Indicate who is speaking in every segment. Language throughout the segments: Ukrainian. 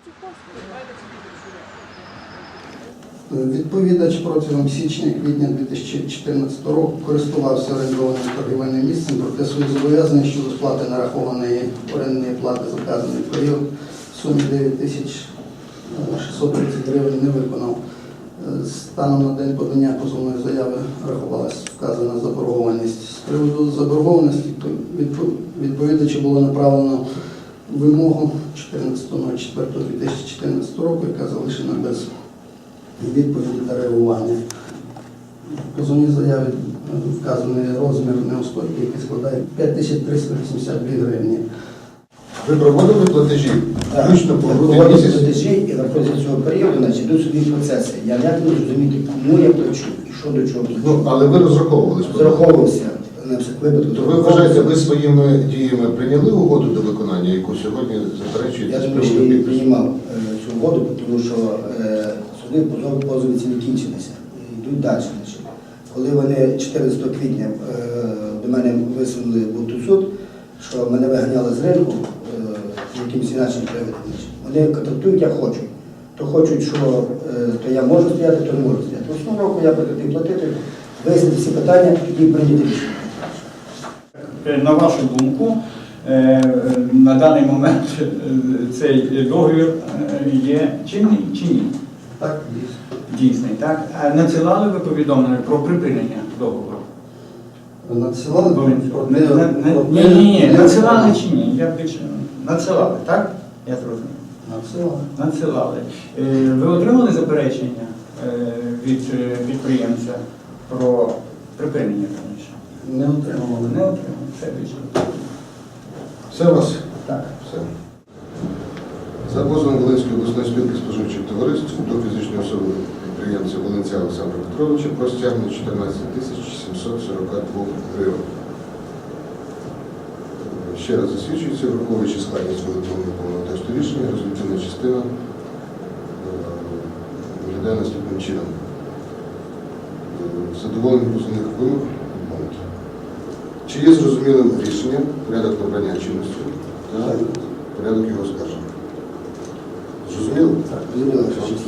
Speaker 1: Відповідач протягом січня-квітня 2014 року користувався орендованим торгівельним місцем, проте свої зобов'язання щодо сплати нарахованої орендної плати за вказаний період в сумі 9630 гривень не виконав. Станом на день подання позовної заяви рахувалася вказана заборгованість. З приводу заборгованості відповідачу було направлено вимогу 14.04.2014 року, яка залишена без відповіді та реагування. В позовній заяві вказаний розмір неустойки, який складає 5382 гривні.
Speaker 2: Ви проводили платежі? Включно по грудень місяць?
Speaker 3: Платежі і на протязі цього періоду йдуть собі процеси. Я не можу зрозуміти, кому я плачу і що до чого.
Speaker 2: Ну, але ви розраховувались?
Speaker 3: Розраховувався на всяк випадок.
Speaker 2: То ви вважаєте, ви своїми діями прийняли угоду до виконання, яку сьогодні заперечуєте?
Speaker 3: Я думаю, що я не приймав цю угоду, тому що суди позови ці не кінчилися. Йдуть далі. Коли вони 14 квітня до мене висунули в суд, що мене виганяли з ринку якимось інакшим приводом. Вони контрактують, я хочу. То хочуть, що то я можу стояти, то не можу стояти. В основному року я прекратив платити, вияснити всі питання, тоді прийняти рішення.
Speaker 4: На вашу думку, на даний момент цей договір є чинний чи ні?
Speaker 1: Так, дійсно.
Speaker 4: Дійсний, так? А надсилали ви повідомлення про припинення договору?
Speaker 1: Надсилали?
Speaker 4: Ні, надсилали чи ні? Я більше надсилали, так? Я зрозумів.
Speaker 1: Надсилали.
Speaker 4: Надсилали. Ви отримали заперечення від підприємця про припинення раніше?
Speaker 1: Не отримали.
Speaker 4: Не отримали. Все більше.
Speaker 2: Все у вас?
Speaker 4: Так.
Speaker 2: Все. За позовом Волинської обласної спілки споживчих товариств до фізичної особи підприємця Волинця Олександра Петровича про стягнення 14 742 гривень. Ще раз засвідчується, враховуючи складність виготовленого тексту рішення, резолютивна частина виглядає наступним чином. Задоволення позовних вимог відмовити. Чи є зрозумілим рішенням порядок набрання чинності та порядок його оскарження? Зрозуміло?
Speaker 3: Так, зрозуміло.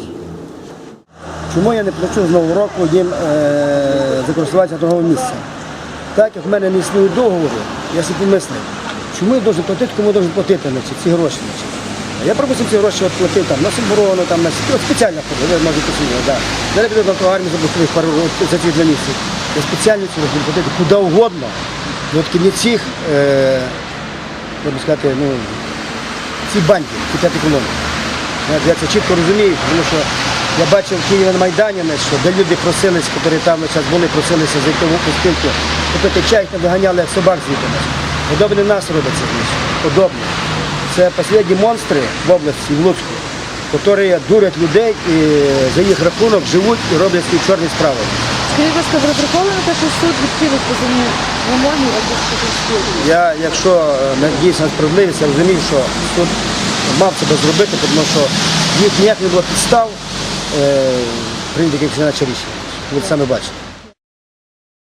Speaker 3: Чому я не плачу з Нового року їм за користування торгового місця? Так як в мене не існує договору, я собі помислив, чому я должен платити, кому должен платити ці гроші. Я пропустив ці гроші платити там, на Соборону, там, на спеціально ходив, ви можете посудити. Да. Зараз піду на армію заблокував пару за ці 2 місяці. Я спеціально ці гроші платити куди угодно, але тільки не цих, як би сказати, ну, ці банки, ці 5 колони. Я це чітко розумію, тому що я бачив в Києві на Майдані, що де люди просились, які там зараз були, просилися зайти в спілку, попити чай, їх не виганяли, як собак звідти. Подобне нас робиться, подобне. Це останні монстри в області, в Луцьку, які дурять людей і за їх рахунок живуть і роблять свої чорні справи.
Speaker 5: Скажіть, будь ласка, ви розраховували те, що суд відхилить позовні вимоги спілки?
Speaker 3: Я, якщо надіюся на справедливість, я розумію, що суд мав себе зробити, тому що їх ніяк не було підстав прийняти якесь інакше рішення. Ви це саме бачите.